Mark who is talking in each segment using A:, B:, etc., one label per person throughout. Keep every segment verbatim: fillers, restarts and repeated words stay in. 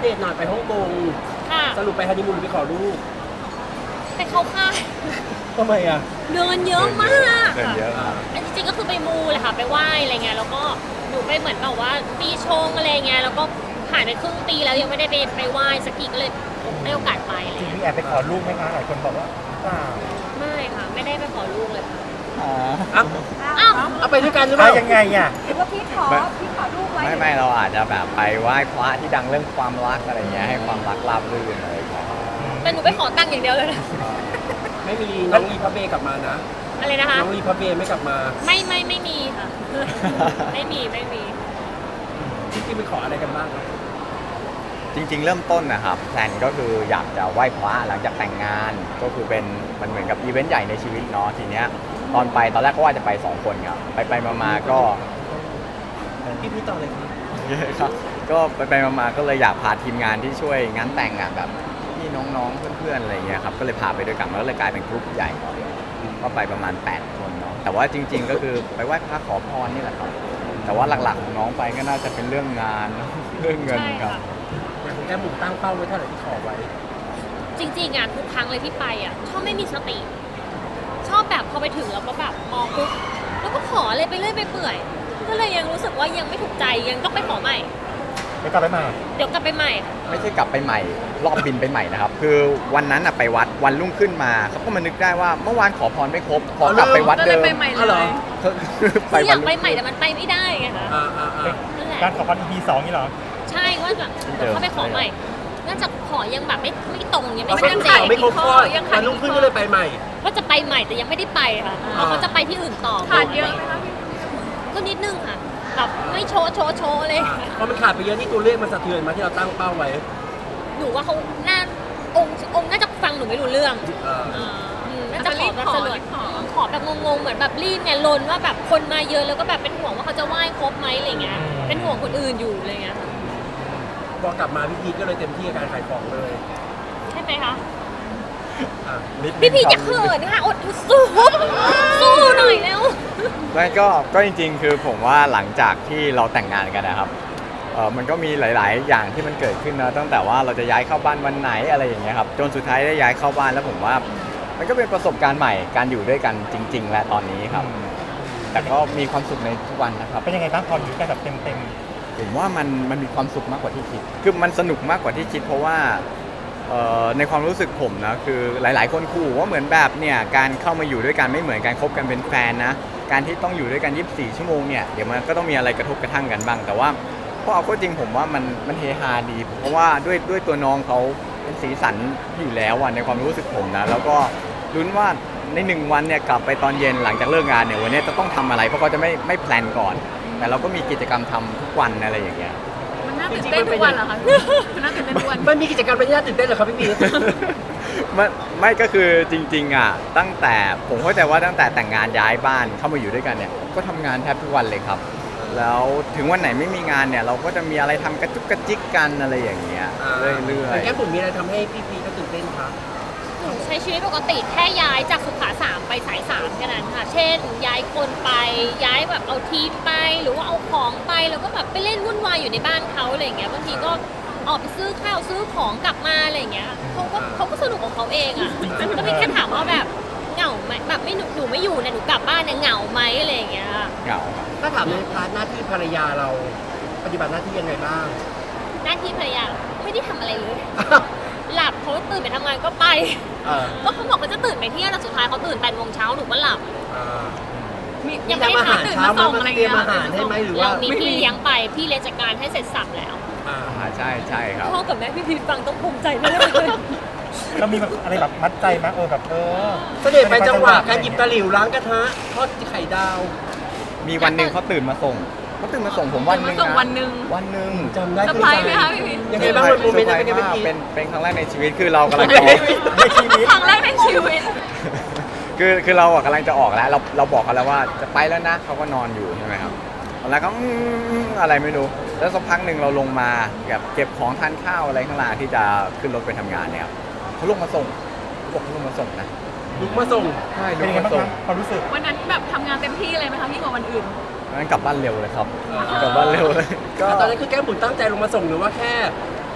A: ดตหน่อยไปฮ่องกง
B: ค่ะ
A: สรุปไปฮันนีมูนหรือไปขอลูก
B: ไปเข้าค่าย
A: ทำไมอ่ะ
B: เดินเยอะมาก
C: เดินเยอะ
B: ค่ะอันจริงๆก็คือไปมูเลยค่ะไปไหว้อะไรเงี้ยแล้วก็หนูไปเหมือนแบบว่าปีชงอะไรเงี้ยแล้วก็ผ่านไปครึ่งปีแล้วยังไม่ได้ไปไปไหว้สักทีก็เลยได้โอกาสไปอะไร
D: จริง
B: เงี้ย
D: พี่แอบไปขอลูกไหมคะหลายคนบอกว่าเปล่า
B: ไม่ค่ะไม่ได้ไปขอลูกเลยค่ะ
D: อ๋อ
A: อ้าว
B: อ้าว
A: เอาไปด้วยกันหรือเป
D: อ่ะ
A: ล่า
D: ยังไงอ่ะ
E: หรือว่าพี่ขอพี่ขอลูกไว้
C: ไม่ไม่เราอาจจะแบบไปไหว้พระที่ดังเรื่องความรักอะไรเงี้ยให้ความรักราบรื่นอะไรอย่างเงี้ย
B: แต่หนูไปขอตังค์อย่างเดียวเลยนะ
A: ไม่มีน้องรีพับเบกลับมานะ
B: อะไรนะคะ
A: น้องรีพับเบไม่กลับมา
B: ไม่ไม่ไม่มีค่ะ ไม่มีไม่มี
A: ที่จริงไปขออะไรกันบ้างครับ
C: จริงๆ เริ่มต้นนะครับแพลนก็คืออยากจะไหว้พระหลังจากแต่งงานก็คือเป็นมันเหมือนกับอีเวนต์ใหญ่ในชีวิตเนาะทีเนี้ยตอนไปตอนแรกก็ว่าจะไปสองคนครับไปไปๆมาๆก็
A: พี่พี่ต่อเลยครับ
C: ครับก็ไปไปๆมาๆก็เลยอยากพาทีมงานที่ช่วยงานแต่งอ่ะแบบพี่น้องๆเพื่อนๆอะไรเงี้ยครับก็เลยพาไปด้วยกันมันก็เลยกลายเป็นกลุ่มใหญ่ก็ไปประมาณแปดคนเนาะแต่ว่าจริง ๆ ก็คือไปไหว้พระขอพรนี่แหละครับแต่ว่าหลักๆของน้องไปก็น่าจะเป็นเรื่องงาน เรื่องเงิน
B: ใช่
C: ครับ
B: ค่ะ
A: อย่างของแก้มบุ๋มตั้งเป้าไว้เท่าไหร่ที่ขอไว้
B: จริงๆอ่ะทุกครั้งเลยที่ไปอ่ะชอบไม่มีสติ ชอบแบบพอไปถึงแล้วก็แบบมองปุ๊บแล้วก็ขอเลยไปเรื่อยไปเปื่อย ก็เลยยังรู้สึกว่ายังไม่ถูกใจยังต้องไปขอใหม่
D: เดี๋ยวกลับไปใหม่
B: เดี๋ยวกลับไปใหม่ค่ะ
C: ไม่ใช่กลับไปใหม่รอบบินไปใหม่นะครับ คือวันนั้นอะไปวัดวันรุ่งขึ้นมาเขาก็มานึกได้ว่าเมื่อวานขอพรไม่ครบขอกลับไปวัดเดิม
A: อ๋อเหรอ
C: ไป
B: คืออ
C: วั
B: ยาน กไปใหม่แต่มันไปไม่ได้ไงคะ
A: อ่าอ่าอ่า
B: นั่นแหละ
D: การขอพร อี พี สองนี่เหรอ
B: ใช่ว่าแบบเดี๋ยวเข้าไปขอใหม่น่าจะขอยังแบบไม่ไม่ตรงยัง
A: อ๋อ
B: ไม่
A: ก็
B: ชัด
A: คือ
B: เจ
A: ข่าวน ไม่ครบข้อวันรุ่งขึ้นก็เลยไปใหม่
B: ว่าจะไปใหม่แต่ยังไม่ได้ไปค่ะ
A: อ่า
B: เขาจะไปที่อื่นต่อ
E: ขาดเยอะไหมคะพี่
B: ก็นิดนึงค่ะแบบไม่โชว์โชว์โชว์เลย
A: เพราะมันขาดไปเยอะนี่ตัวเลขมันสะเทือนมาที่เราตั้งเป้าไว้
B: หนูว่าเขาน่าองค์องค์น่าจะฟังหนูไม่รู้เรื่อง
A: อ่า
B: อ่าอืมน่าจะขอแบบสลด
E: ขอ
B: ขอแบบงงๆเหมือนแบบรีบเนี่ยลนว่าแบบคนมาเยอะแล้วก็แบบเป็นห่วงว่าเขาจะไหว้ครบไหมอะไรเงี้ย
D: อืม
B: เป็นห่วงคนอื่นอยู่อะไรเงี้ยค่ะ
A: พอกลับมาพี่พีทก็เลยเต็มที่กับการขายของเลย
B: ใช่ไหมคะ
A: อ่า
C: นิดนึง
B: พี่พี
C: ครับ
B: จะเขินค่ะอดสู้สู้หน่อยแล้ว
C: ไม่ก็ก็จริงๆ คือผมว่าหลังจากที่เราแต่งงานกันนะครับเออมันก็มีหลาย ๆ อย่างที่มันเกิดขึ้นนะตั้งแต่ว่าเราจะย้ายเข้าบ้านวันไหนอะไรอย่างเงี้ยครับจนสุดท้ายได้ย้ายเข้าบ้านแล้วผมว่า มันก็เป็นประสบการณ์ใหม่การอยู่ด้วยกันจริง ๆ และตอนนี้ครับ แต่ก็มีความสุขในทุกวันนะครับ
D: เป็นยังไงบ้างพออยู่กันแบบเต็ม
C: ผมว่ามันมันมีความสุขมากกว่าที่คิด คือมันสนุกมากกว่าที่คิด เพราะว่าเอ่อในความรู้สึกผมนะคือหลาย ๆ คนขู่ว่าเหมือนแบบเนี่ยการเข้ามาอยู่ด้วยกันไม่เหมือนการคบกันเป็นแฟนนะการที่ต้องอยู่ด้วยกันยี่สิบสี่ชั่วโมงเนี่ยเดี๋ยวมันก็ต้องมีอะไรกระทบกระทั่งกันบ้าง แต่ว่าพอเอาก็จริงผมว่ามันมันเฮฮาดี เพราะว่าด้วยด้วยตัวน้องเขาเป็นสีสันอยู่แล้วอ่ะในความรู้สึกผมนะแล้วก็ลุ้นว่าในหนึ่งวันเนี่ยกลับไปตอนเย็นหลังจากเลิกงานเนี่ยวันนี้จะต้องทำอะไรเพราะเขาจะไม่ไม่แพลนก่อน แต่เราก็มีกิจกรรมทำทุกวันอะไรอย่างเงี้ย
E: มันน่าตื่นเต้นทุกวันเหรอคะมันน่าตื่นเต้นทุกวัน
A: มันมีกิจกรรมเป็นที่น่าตื่นเต้นเหรอครับพี่พีท
C: ไม่ไม่ก็คือจริงๆอ่ะตั้งแต่ผมเข้าใจว่าตั้งแต่แต่งงานย้ายบ้านเข้ามาอยู่ด้วยกันเนี่ยก็ทำงานแทบทุกวันเลยครับ แล้วถึงวันไหนไม่มีงานเนี่ยเราก็จะมีอะไรทำกระจุกกระจิกกันอะไรอย่างเงี้ยเรื่อย
A: แต่แก้มบุ๋มมีอะไรทำให้พี่พีทก็ตื่นเต้นครับ
B: หนูใช้ชีวิตปกติแค่ย้ายจากสุขาสามไปสายสามแค่นั้นค่ะ เช่น ย้ายคนไปย้ายแบบเอาทีมไปหรือว่าเอาของไปแล้วก็แบบไปเล่นวุ่นวายอยู่ในบ้านเขาอะไรอย่างเงี้ยบางทีก็ออกไปซื้อข้าวซื้อของกลับมาอะไรอย่างเงี้ยเขาก็เขาก็สนุกของเขาเองอ่ะก็มีแค่ถามว่าแบบเหงาไหมแบบไม่หนูหนูไม่อยู่เนี่ยหนูกลับบ้านเนี่ยเหงาไหมอะไรอย่างเงี้ย
C: ๆเหงาครับ
A: ถ้าถามในพาร์ทหน้าที่ภรรยาเราปฏิบัติหน้าที่ยังไงบ้าง
B: หน้าที่ภรรยาไม่ได้ทำอะไรเลย หลับเขาตื่นไปทำงานก็ไป
A: เออ
B: ก็เขาบอกเขาจะตื่นไปเที่ยวแต่สุดท้ายเขาตื่นแปดโมงเช้าหนูก็หลับ
A: อ่า
E: มี
B: ยังไม่ได้
A: ทำอาหาร
E: ตื่น
A: เช้า
E: มา
A: มา
E: ส่งอะไร
A: เตรีย
E: เงี้
A: ม
E: ย
A: อาหารให้ไหมหรือว่า
B: เรามีพี่เลี้ยงไปพี่เลี้ยงจัดการให้เสร็จสับแล้ว
A: อ่า
C: อ่าใช่ใช่ครับ
B: พ่อกับแม่พี่พีชฟังต้องภูมิใจมากเลย
D: ๆเรามีแบบอะไรแบบมัดใจไหมเออแบบเออ
A: เสด็จไปจังหวะการหยิบตะหลิวล้างกระทะทอดไข่ดาว
C: มีวันหนึ่งเขาตื่นมาส่งเขาตื่นมาส่งผมวันหนึ่ง
E: ตื่นมาส่ง
C: นะ
E: วันหนึ่ง
C: วันหนึ่ง
A: จำได้
E: เซอร์ไพรส์ไหมคะพี่พีท
A: ยังไงบ้างมันโมเมนต์นั้นเป็นไง
C: เซอ
A: บ้าง
C: ร์ไพรส์
A: พี่
C: มากเป็นเป็นครั้งแรกในชีวิตคือเรากำลังจะออก
D: ในชีวิต
E: ครั้งแรกในชีวิต
C: คือคือเราอะกำลังจะออกแล้วเราเราบอกเขาแล้วว่าจะไปแล้วนะเขาก็นอนอยู่ใช่ไหมครับแล้วก็อืมอะไรไม่รู้แล้วสักพักหนึ่งเราลงมาแบบเก็บของทานข้าวอะไรข้างล่างที่จะขึ้นรถไปทำงานเนี่ยครับเขาลงมาส่งเขาบอกเขาลงมาส่งนะ
A: ลุกมาส่ง
C: ใช่ล
D: เป็น
C: ง
D: ยังไง
C: มา
D: บ้าง
C: ส่ง
D: คะความรู้สึก
E: วันนั้นแบบทำงานเต็มที่เลยไหมคะพี่กว่าวันอื่น
C: งั้นกลับบ้านเร็วเลยครับกลับบ้านเร็วเลยก็
A: ตอนนั้นคือแก้มบุ๋มตั้งใจลงมาส่งหรือว่าแค่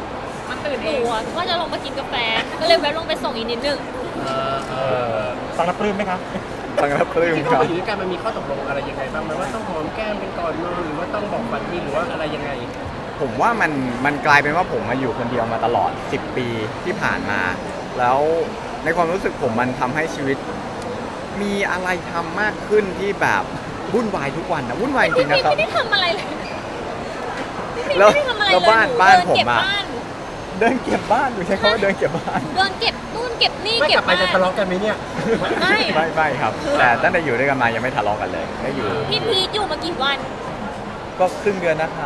E: มันตื่น
B: ห
E: เอ
B: นู
E: ง
B: อ่ะก็จะลงมากินกาแฟ ก็เลยแวะลงไปส่งอีกนิดนึง
A: เออเอ
D: เอ
A: อ
D: อฟังแล้วปลื้มไหมครับ
C: ฟังแล้วปลื้ม
A: ที่
C: ค
A: เข้า
C: รับ
A: มาอยู่ด้วยกันมันมีข้อตกลงอะไรยังไงบ้างไหมว่าต้องหอมแก้มเป็นก่อนนอนหรือว่าต้องบอกฝันดีหรือว่าอะไรยังไง
C: ผมว่ามันมันกลายเป็นว่าผมมาอยู่คนเดียวมาตลอด สิบ ปีที่ผ่านมา แล้วในความรู้สึกผมมันทำให้ชีวิต มีอะไรทำมากขึ้นที่แบบวุ่นวายทุกวันนะวุ่นวายจริงๆ
B: พี่
C: นะครับ
B: ไม่ได้ทำอะไรเลยพี่
C: แล้ว
B: ไม่ได้ทำอะไร
C: แล้ว
B: เลย
C: บ้าน
B: ห
C: บ้าน
B: เดิ
C: ผม
B: เก็บ
C: อะ
B: บ้าน
C: เดินเก็บบ้านดูใช้คำว่าเดินเก็บบ้าน
B: เดินเก็บนู่นเก็บนี่
A: ไม่
B: เก็
A: ก
B: บ
A: ลับไป
B: บ้า
A: จะ
B: น
A: ทะเลาะกันไหมเนี่ย
B: ไม่
C: ไม่ไม่ครับ แต่ตั้งแต่อยู่ด้วยกันมายังไม่ทะเลาะกันเลยได้อยู่
B: พี่พีทอยู่มากี่วัน
C: ก็ครึ่งเดือนนะคะ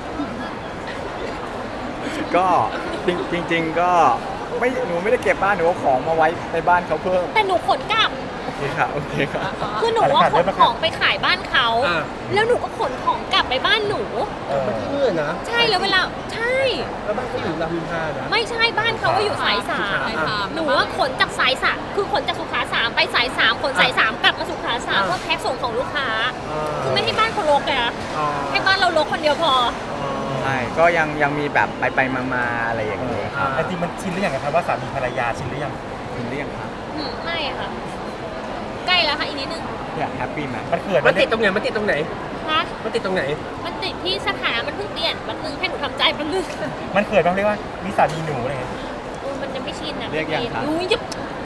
C: ก็จริงจริง ๆ ก็ไม่หนูไม่ได้เก็บบ้านหนูเอาของมาไว้ในบ้านเขาเพิ่ม
B: แต่หนูขนกลับ
C: โอเคครับโอเคครับ
B: คือหนูว่าขนของไปขายบ้านเขา
A: อ่า
B: แล้วหนูก็ขนของกลับไปบ้านหนู
D: เออ
A: มันที่เมื่อนะ
B: ใช่แล้วเวลาใช่
A: แล้วบ้านเขาอยู่รามอินทรานะ
B: ไม่ใช่บ้านเขาก็อยู่สายสาม
E: สายสาม
B: หนูว่าขนจากสายสามคือขนจากสุขาสามไปสายสามขนสายสามกลับมาสุขาสามเพื่อแพ็คส่งของลูกค้า คือไม่ให้บ้านเขารกเลยนะ
A: อ๋อ
B: ให้บ้านเรารกคนเดียวพอ
C: ใช่ก็ยังยังมีแบบไปไปมามาๆอะไรอย่างนี้ครับ
D: แต่จริงมันชินหรือยังครับว่าสามีภรรยาชินหรือยัง
C: คุณเรียกครับ
B: อืมไม่ค่ะ ใกล้แล้วค่ะอีกนิดนึง
C: อยากแฮปปี้ไหม
D: มันเขิน
A: มันติดตรงไหนมันติดตรงไหน
B: นะ
A: มันติดตรงไหน
B: มันติดที่สถานะมันเพิ่งเปลี่ยนแป๊บนึงให้หนูทำใจแป๊บนึง
D: มันเขินบ้างเรียกว่ามีสามีหนูอะไรเงี้ย
B: โอ้ยมันยังไม่ชินอ่ะ
C: เรียกยังครับ
B: หนูจะ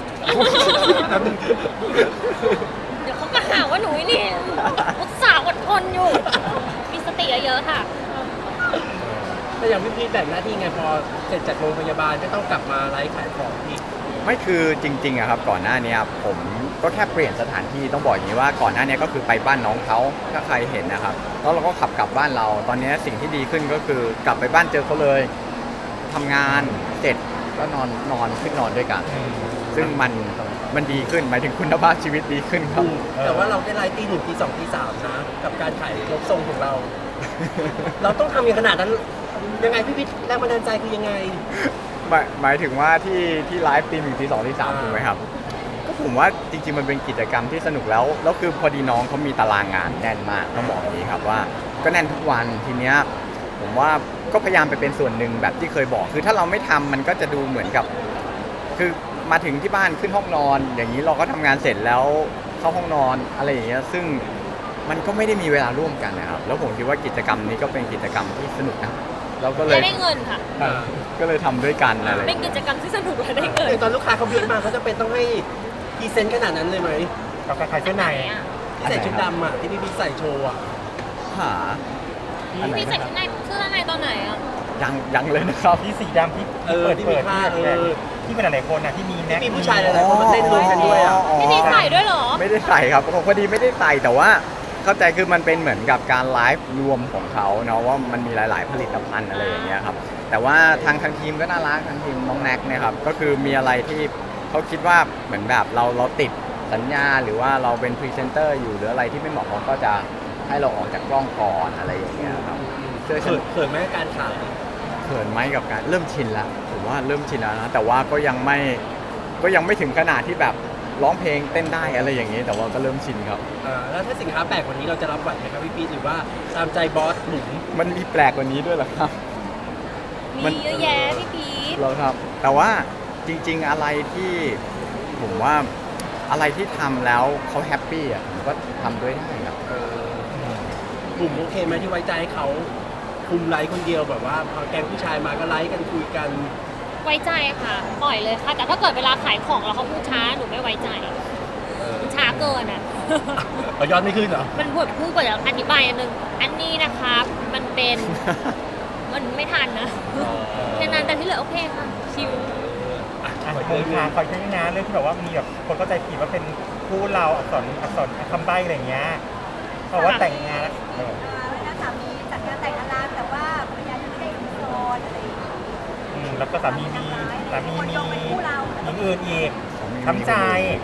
B: เดี๋ยวเขามาหาว่าหนูนี่อุตส่าห์อดทนอยู่ มีสติเยอะๆค่ะ
A: แต่อย่างพี่พีทแบ่งหน้าที่ไงพอเสร็จจากโรงพยาบาลก็ต้องกลับมาไลฟ์ขายของอีก
C: ไม่คือจริงๆอะครับก่อนหน้านี้ผมก็แค่เปลี่ยนสถานที่ต้องบอกอย่างนี้ว่าก่อนหน้านี้ก็คือไปบ้านน้องเขาถ้าใครเห็นนะครับแล้วเราก็ขับกลับบ้านเรา ตอนนี้สิ่งที่ดีขึ้นก็คือกลับไปบ้านเจอเขาเลยทำงานเสร็จก็นอนนอนขึ้นนอนด้วยกัน ซึ่งมันมันดีขึ้นหมายถึงคุณภาพชีวิตดีขึ้นครับ
A: แต่ว่าเราได้ไลฟ์ตีหนึ่งตีสองตีสามนะ กับการขายลบทรงของเรา เราต้องทำอย่างขนาดนั้น ยังไงพี่พีทแรงบันดาลใจคือยังไง
C: หมายหมายถึงว่าที่ที่ไลฟ์ตีหนึ่งตีสองตีสาม
A: อ่า
C: ถูกไหมครับก็ผมว่าจริงๆมันเป็นกิจกรรมที่สนุกแล้วแล้วคือพอดีน้องเขามีตารางงานแน่นมากต้องบอกอย่างนี้ครับว่าก็แน่นทุกวันทีเนี้ยผมว่าก็พยายามไปเป็นส่วนหนึ่งแบบที่เคยบอก คือถ้าเราไม่ทำมันก็จะดูเหมือนกับ คือมาถึงที่บ้านขึ้นห้องนอน อย่างนี้เราก็ทำงานเสร็จแล้วเข้าห้องนอนอะไรอย่างเงี้ยซึ่งมันก็ไม่ได้มีเวลาร่วมกันนะครับแล้วผมคิดว่ากิจกรรมนี้ก็เป็นกิจกรรมที่สนุกนะเราก็เล
B: จะ
C: ย
B: ได้เงินค่ะ
A: อ่า
C: ก็เลยทำด้วยกันอะไร
B: เป็นกิจกรรมที่สนุกและได้เงิน
A: อย่างตอนลูกค้าเขาบีบมาเขาจะเป็นต้องให้พรีเซนต์ขนาดนั้นเลยไหม
D: กับการขายเสื้อใน
A: ที่ใส่ชุดดำอ่ะที่พี่พีทใส่โชว์อ่ะ
C: หาอันไหน
B: พี่ใส่
C: นะค
B: ชุ
C: รับ
B: ดในเสื้อในตอนไหนอ่ะ
C: ยังยังเลยนะครับ
D: ที่สีดำที่
A: เออ
D: เปิด
A: ที่มี
D: เปิด
A: ผ้า
D: ที่
A: เออ
D: ที่เป็นหลายๆคนนะที่มีแน็ก
A: ที่มีผู้ชายหลายๆคนมาเต้นรวมกันด้วยอ่ะ
B: พี่พีทใส่ด้วยเหรอ
C: ไม่ได้ใส่ครับพอดีไม่ได้ใส่แต่ว่าเข้าใจคือมันเป็นเหมือนกับการไลฟ์รวมของเขาเนาะว่ามันมีหลาย ๆ ผลิตภัณฑ์อะไรอย่างเงี้ยครับแต่ว่าทางทางทีมก็น่ารักทางทีมน้องแน็กเนะครับก็คือมีอะไรที่เขาคิดว่าเหมือนแบบเราเราติดสัญญาหรือว่าเราเป็นพรีเซนเตอร์อยู่หรืออะไรที่ไม่เหมาะเขาก็จะให้เราออกจากกล้องก่อนอะไรอย่างเงี้ยครับเสื้อ
A: เขินเขินไหมการขาย
C: เขินไหมกับการเริ่มชินแล้วผมว่าเริ่มชินแล้วนะแต่ว่าก็ยังไม่ก็ยังไม่ถึงขนาดที่แบบร้องเพลงเต้นได้อะไรอย่างนี้แต่ว่าก็เริ่มชินครับ
A: อ่าแล้วถ้าสินค้าแปลกกว่านี้เราจะรับไหวไหมครับพี่พีทหรือว่าตามใจบอสหนุ่ม
C: มันมีแปลกกว่านี้ด้วยเหรอครับ มัน
B: มีเยอะแยะพี่พีท
C: เหรอครับ แต่ว่าจริง ๆอะไรที่ผมว่าอะไรที่ทำแล้วเขาแฮปปี้อ่ะผมก็ทำด้วยได้ครับ
A: หนุ่มโอเคไหมที่ไว้ใจให้เขาคุมไลฟ์คนเดียวแบบว่าพอแก๊งผู้ชายมาก็ไลฟ์กันคุยกัน
B: ไว้ใจค่ะ ปล่อยเลยค่ะ แต่ถ้าเกิดเวลาขายของแล้วเขาพูดช้าหนูไม่ไว้ใจมันช้าเกินอ่ะ
A: เอายอดไม่ขึ้นเหรอ
B: มันพูดพูดกว่าจะอธิบายอันนึง อันนี้นะครับ มันเป็น มันไม่ทันนะแค่นั้นแต่ที่เหลือโอเคค่ะ ชิว
A: อ่ะ
D: อ่ะ
A: ขอ
D: โค
A: เย
D: รง
A: อะ
D: การคอยใช้งานเรื่องที่แบบว่ามีแบบคนเข้าใจผิดว่าเป็นคู่เราอักษรอักษรคำใบ้อะไรอย่างเงี้ยบอกว่าแต่งงานแล้วเออ
F: แล้วสามีจัดงานแต่งงานแต่ว่าภรรยายังไม่ได้อินโทรอะไรอย่างเงี้ย
D: อืมแล้วก็สามีมีสามีมีหญิงอื่นอีก
C: ผม
D: ทำใจ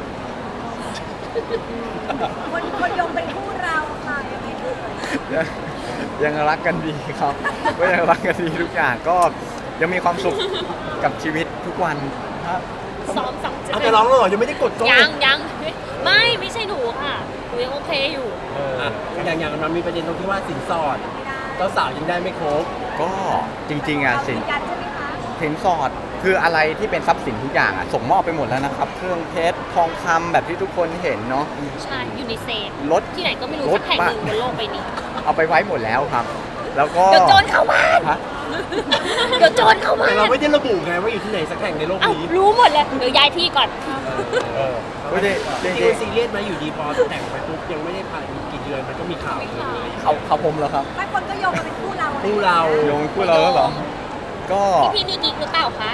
F: คนคนยงเป็นคู่เราค่ะยังไงเอ่ย
C: ยังยังรักกันดีครับ ก็ยังรักกันดีทุกอย่างก็ยังมีความสุขกับชีวิตทุกวันครับ
B: ซ้อมสอง
A: เอาแต่ร้องแล้วเหรอยังไม่ได้กดโก้
B: ยังยังไม่ไม่ใช่หนูค่ะหนูยังโอเคอยู่
D: เออ
A: อ่ะอย่างอย่างมันมีประเด็นตรงที่ว่าสินสอดเจ้าสาวยังได้ไม่ครบ
C: ก็จริงๆอ่ะสิน
F: ยืนยันใช่ไหมคะ
C: เพสินสอดคืออะไรที่เป็นทรัพย์สินทุกอย่างอะส่งมอบไปหมดแล้วนะครับ เครื่องเพชรทองคำแบบที่ทุกคนเห็นเนาะ
B: ใช่อยู่ในเซฟ
C: รถ
B: ที่ไหนก็ไม่รู้
C: รถ
B: สักแห่งหนึ่งบนโลกใบนี้
C: เอาไปไว้หมดแล้วครับ แล้วก็
B: เดี๋ยวโจรเข้าบ้าน
C: ฮะ
B: เดี๋ยวโจรเข้าบ้า
A: แต่
B: น
A: เราไม่ได้ระบุไงว่าอยู่ที่ไหนสักแห่งในโลก
B: เอ้า
A: นี้
B: รู้หมดเลยเดี๋ยวย้ายที่ก่อน
D: เออ
C: ไม่ได้จ
A: จ
C: ริ
A: ริ
C: ง
A: งๆซีเรียสไหมอยู่ดีพอแต่งไปปุ๊บยังไม่ได้ผ่านกี่เดือนมันก็มีข่าวเลย
C: ๆเขาเขาผมแล้วครับ
F: บางคนก็โยงมาเป็นคู่เรา
A: คู่เรา
C: โยงคู่เราแล้วเหรอ ก็
B: พี่นี่กิ๊กหรือเปล่าคะ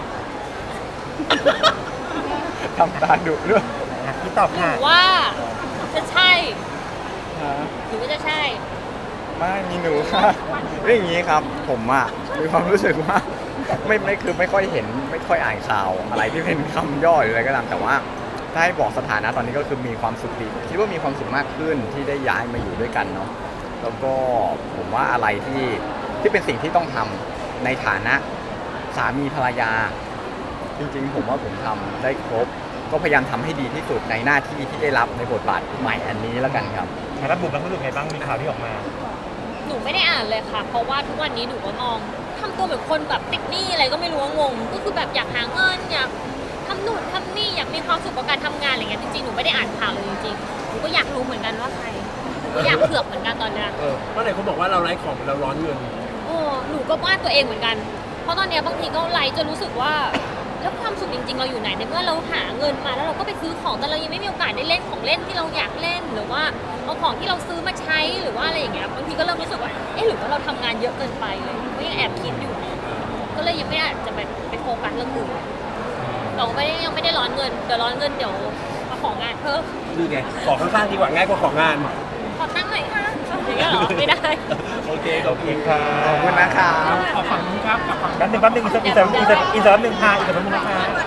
C: ทำตาดุด้วย
D: อ่ะพี่ตอบ
B: หรื
D: ค่ะ
B: อว่าจะใช่
C: ฮะ
B: หรือว่าจะใช่
C: ไม่มีหนูค่ะเรื่องอย่างนี้ครับ ผมอะมีความรู้สึกว่าไม่ไม่คือไม่ค่อยเห็นไม่ค่อยอ่านข่าวอะไรที่เป็นคำย่อหรืออะไรก็ตามแต่ว่าถ้าให้บอกสถานะตอนนี้ก็คือมีความสุขดีคิดว่ามีความสุขมากขึ้นที่ได้ย้ายมาอยู่ด้วยกันเนาะแล้วก็ผมว่าอะไรที่ที่เป็นสิ่งที่ต้องทำในฐานะสามีภรรยา จริงๆ ผมว่าผมทำได้ครบ ก็พยายามทำให้ดีที่สุดในหน้าที่ที่ได้รับในบทบาทใหม่อันนี้แล้วกันครับ
D: แล้วบุ๋มรู้สึกไงบ้างมีข่าวที่ออกมา
B: หนูไม่ได้อ่านเลยค่ะ เพราะว่าทุกวันนี้หนูก็มองทำตัวเหมือนคนแบบติดหนี้อะไรก็ไม่รู้ว่างง ก็คือแบบอยากหาเงินอยากทำนู่นทำนี่อยากมีความสุขกับการทำงานอะไรเงี้ยจริงๆหนูไม่ได้อ่านข่าวเลยจริงๆหนูก็อยากรู้เหมือนกันว่าใครหนูก็อยากเผือกเหมือนกันตอนเนี้ย
A: เออเพราะไหนเขาบอกว่าเราไร้ของเราร้อนเงิน
B: โอ้หนูก็ว่าตัวเองเหมือนกัน เพราะตอนเนี้ยบางทีก็ไลฟ์จนรู้สึกว่าแล้วความสุขจริงๆเราอยู่ไหนในเมื่อเราหาเงินมาแล้วเราก็ไปซื้อของแต่เรายังไม่มีโอกาสได้เล่นของเล่นที่เราอยากเล่นหรือว่าเอาของที่เราซื้อมาใช้หรือว่าอะไรอย่างเงี้ยบางทีก็เริ่มรู้สึกว่าเอ๊ะหรือว่าเราทำงานเยอะเกินไปเลยก็ยังแอบคิดอยู่นะก็เลยยังไม่อาจจะไปไปโฟกัสเรื่องอื่นเราไม่ได้ยังไม่ได้ร้อนเงินเดี๋ยวร้อนเงินเดี๋ยวมาของงานเพิ่ม
A: นี่ไงของข้างๆดีกว่าง่ายกว่าของงาน
B: ขอตั้งหน่อยค่ะอย่างเงี้ยเหรอไม่ได้
A: โอเคข
D: โอ
A: อบ
D: เค
A: คุณ
D: ค่ะ
C: ขอบคุณนะครับ
D: แป๊บนึงแป๊บนึงอีกสักอีกสักอีกสักอีกสักแป๊บนึงค่ะอีกสักแป๊บนึงนะคะ